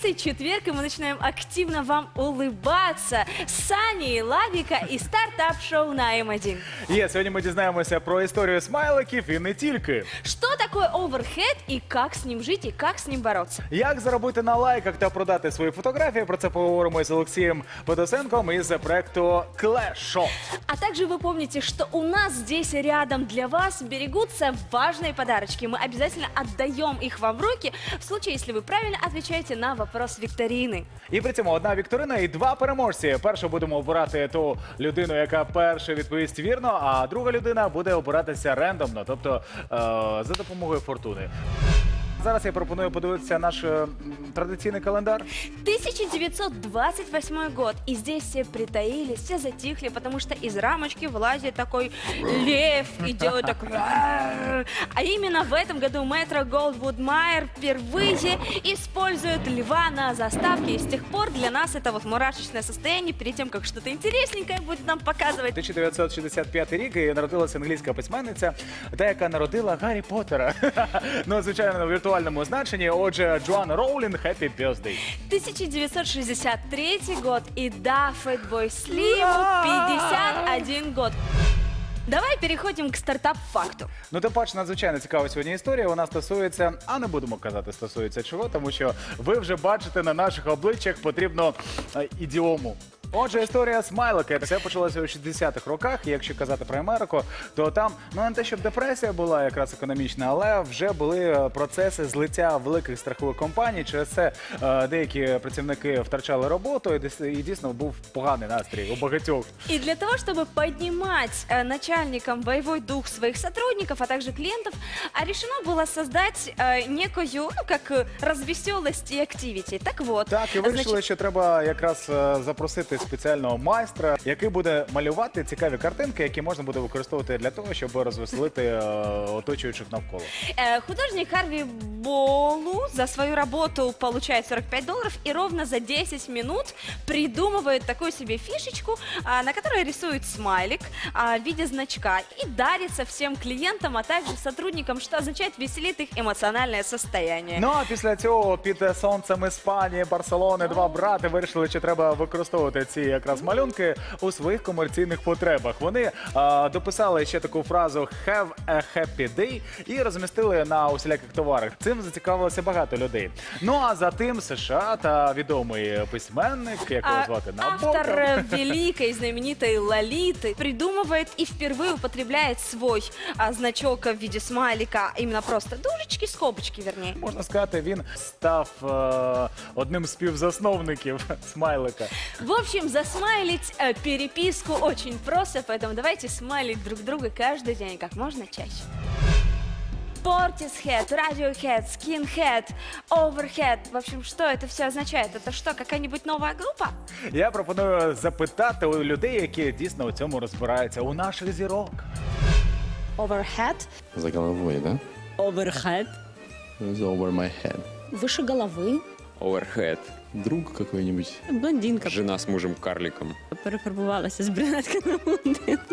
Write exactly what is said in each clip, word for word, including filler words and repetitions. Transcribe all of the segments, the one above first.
Каждый четверг и мы начинаем активно вам улыбаться. Сані, Лавіка і стартап-шоу на М один. Є, сьогодні ми дізнаємося про історію смайликів і не тільки. Что такое оверхед и как с ним жить и как с ним бороться? Як заробити на лайках та продати свої фотографії? Про це поговоримо з Олексієм Федосенком із проекту Clash Shop. А также вы помните, что у нас здесь рядом для вас берегутся важные подарочки. Мы обязательно отдаем их вам в руки в случае, если вы правильно отвечаете на вопрос викторины. І при цьому одна вікторина і два переможці. Першу будемо обирати ту людину, яка перша відповість вірно, а друга людина буде обиратися рендомно, тобто е за допомогою фортуни. Зараз я пропоную подивитися наш е традиційний календар. тысяча девятьсот двадцать восьмой год. И здесь все притаились, все затихли, потому что из рамочки вылазит такой лев и делает так. А именно в этом году Метро Голдвуд Майер впервые использует льва на заставке. И с тех пор для нас это вот мурашечное состояние перед тем, как что-то интересненькое будет нам показывать. тисяча дев'ятсот шістдесят п'ятий рік і народилася англійська письменниця, та яка народила Гаррі Поттера. Ну, звичайно, в віртуальному значенні. Отже, Джоан Роулінг, Happy Birthday. тысяча девятьсот шестьдесят третий год. И да, Фэтбой Слиму пятьдесят один год. Давай переходим к стартап-факту. Ну, тим паче, надзвичайно цікава сьогодні історія. Вона стосується, а не будемо казати, стосується чого, тому що ви вже бачите на наших обличчях потрібно е, ідіому. Отже, історія смайлика. Все почалося у шістдесятих роках, і якщо казати про Америку, то там, ну не те, щоб депресія була якраз економічна, але вже були процеси злиття великих страхових компаній. Через це е, деякі працівники втрачали роботу, і, і дійсно був поганий настрій у багатьох. И для того, чтобы поднимать э, начальникам боевой дух своих сотрудников, а также клиентов, а решено было создать э, некую, ну, как э, развеселость и активити. Так вот. Так, і вирішили, значит, що треба якраз е, запросити спеціального майстра, який буде малювати цікаві картинки, які можна буде використовувати для того, щоб розвеселити е, оточуючих навколо. э, художник Харви Болу за свою работу получает сорок пять долларов и ровно за десять минут придумывает такую себе фишечку, а, на которой рисует смайлик а, в виде значка и дарится всем клиентам, а также сотрудникам, что означает веселит их эмоциональное состояние. Ну а після цього під сонцем Іспанії, Барселони, два брати вирішили, що треба використовувати ці якраз малюнки у своїх комерційних потребах. Вони а, дописали ще таку фразу «Have a happy day» і розмістили на усіляких товарах. Цим зацікавилося багато людей. Ну а за тим США та відомий письменник, як його А, звати, автор Набоков. э, великой знаменитой Лолиты придумывает и впервые употребляет свой а, значок в виде смайлика, именно просто дужечки, скобочки, вернее. Можна сказати, він став е, одним з співзасновників смайлика. В общем, засмайлить э, переписку очень просто, поэтому давайте смайлить друг друга каждый день, как можно чаще. Portishead, Radiohead, Skinhead, Overhead. В общем, что это все означает? Это что, какая-нибудь новая группа? Я пропоную запитати у людей, які дійсно у цьому розбираються, у наших зірок. Overhead, За головой, да? overhead, The over my head. выше головы, Оверхед. Друг какой-нибудь. блондинка. Жена с мужем-карликом. Перефарбувалася з брюнетки на блондинку.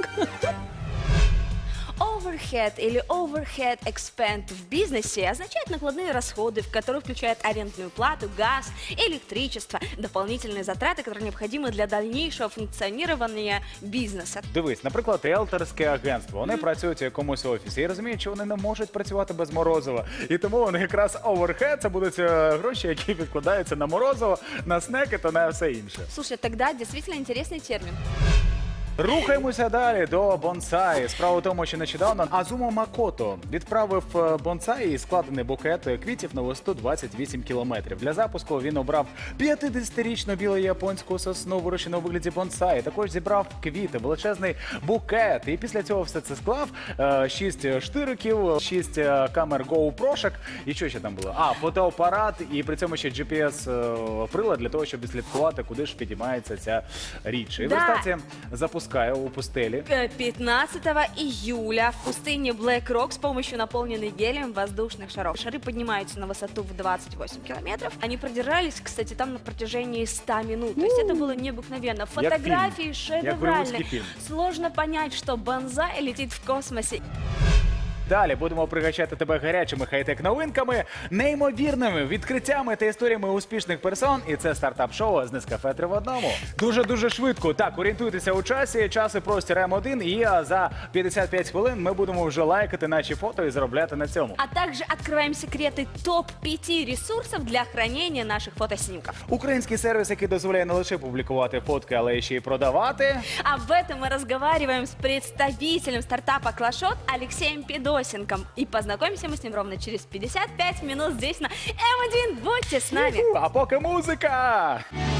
Overhead или overhead expend в бизнесе означает накладные расходы, в которые включают арендную плату, газ, электричество, дополнительные затраты, которые необходимы для дальнейшего функционирования бизнеса. Дивись, наприклад, риелторське агентство. Вони працюють у якомусь офісі і розуміють, що вони не можуть працювати без морозива. І тому вони якраз оверхед – це будуть е, гроші, які відкладаються на морозиво, на снеки та на все інше. Слушай, тогда действительно интересный термин. Рухаємося далі до бонсаї. Справа в тому, що нещодавно Азумо Макото відправив бонсаї складений букет квітів на висоту двадцять вісім кілометрів. Для запуску він обрав п'ятдесятирічну білу японську сосну, вирощену у вигляді бонсаї. Також зібрав квіти, величезний букет. І після цього все це склав. Шість штириків, шість камер GoPro-шок. І що ще там було? А, фотоапарат і при цьому ще джі пі ес-прилад для того, щоб відслідкувати, куди ж підіймається ця річ. І в Да. результаті запускає у пустелі. пятнадцатого июля в пустыне Black Rock с помощью наполненных гелием воздушных шаров. Шары поднимаются на высоту в двадцать восемь километров. Они продержались, кстати, там на протяжении ста минут. То есть это было необыкновенно. Фотографии Як шедевральные. голливудский фильм. Сложно понять, что бонсай летит в космосе. Далі будемо пригощати тебе гарячими хай-тек новинками, неймовірними відкриттями та історіями успішних персон. І це стартап-шоу з Нескафе три в одному. Дуже-дуже швидко. Так, орієнтуйтеся у часі. Час і простір М один. І а, за п'ятдесят п'ять хвилин ми будемо вже лайкати наші фото і заробляти на цьому. А также открываем секреты топ пяти ресурсов для хранения наших фотоснимков. Український сервіс, який дозволяє не лише публікувати фотки, але й ще й продавати. Об этом мы разговариваем с представителем стартапа Клашот Алексеем Педосенком. И познакомимся мы с ним ровно через пятьдесят пять минут здесь на М один. Будьте с нами! А поки музика!